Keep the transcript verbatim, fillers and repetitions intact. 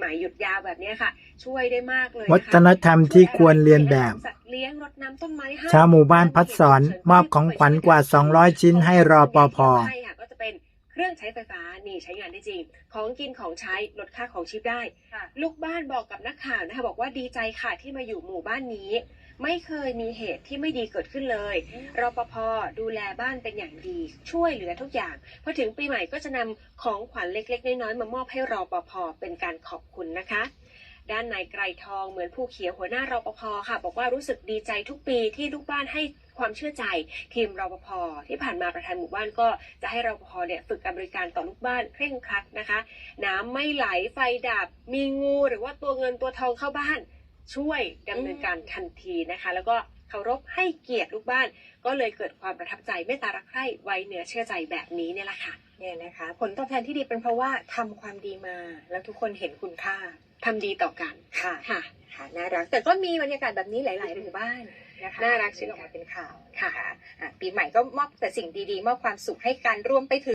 หม่ๆหยุดยาวแบบนี้ค่ะช่วยได้มากเลยวัฒนธรรมที่ควรเรียนแบบเลี้ยงรดน้ำต้นไม้ให้ชาวหมู่บ้านพัดสอนมอบของขวัญกว่าสองร้อยชิ้นให้รปภ. ก็จะเป็นเครื่องใช้ไฟฟ้านี่ใช้งานได้จริงของกินของใช้ลดค่าของชีพได้ลูกบ้านบอกกับนักข่าวนะคะบอกว่าดีใจค่ะที่มาอยู่หมู่บ้านนี้ไม่เคยมีเหตุที่ไม่ดีเกิดขึ้นเลยรปภ.ดูแลบ้านเป็นอย่างดีช่วยเหลือทุกอย่างพอถึงปีใหม่ก็จะนำของขวัญเล็กๆน้อยๆมามอบให้รปภ.เป็นการขอบคุณนะคะด้านนายไกรทองเหมือนผู้เขียวหัวหน้ารปภ.ค่ะบอกว่ารู้สึกดีใจทุกปีที่ลูกบ้านให้ความเชื่อใจทีมรปภ.ที่ผ่านมาประธานหมู่บ้านก็จะให้รปภ.เนี่ยฝึกการบริการต่อลูกบ้านเคร่งครัดนะคะน้ำไม่ไหลไฟดับมีงูหรือว่าตัวเงินตัวทองเข้าบ้านช่วยดำเนินการทันทีนะคะแล้วก็เคารพให้เกียรติลูกบ้านก็เลยเกิดความประทับใจเมตตารักใคร่ไว้เนื้อเชื่อใจแบบนี้เนี่ยแหละค่ะเนี่ยนะคะผลตอบแทนที่ดีเป็นเพราะว่าทำความดีมาแล้วทุกคนเห็นคุณค่าทำดีต่อกันค่ะค่ะค่ะน่ารักแต่ก็มีบรรยากาศแบบนี้หลายๆหมู่บ้านนะคะน่ารักที่ออกมาเป็นข่าวค่ะปีใหม่ก็มอบแต่สิ่งดีๆมอบความสุขให้กันรวมไปถึง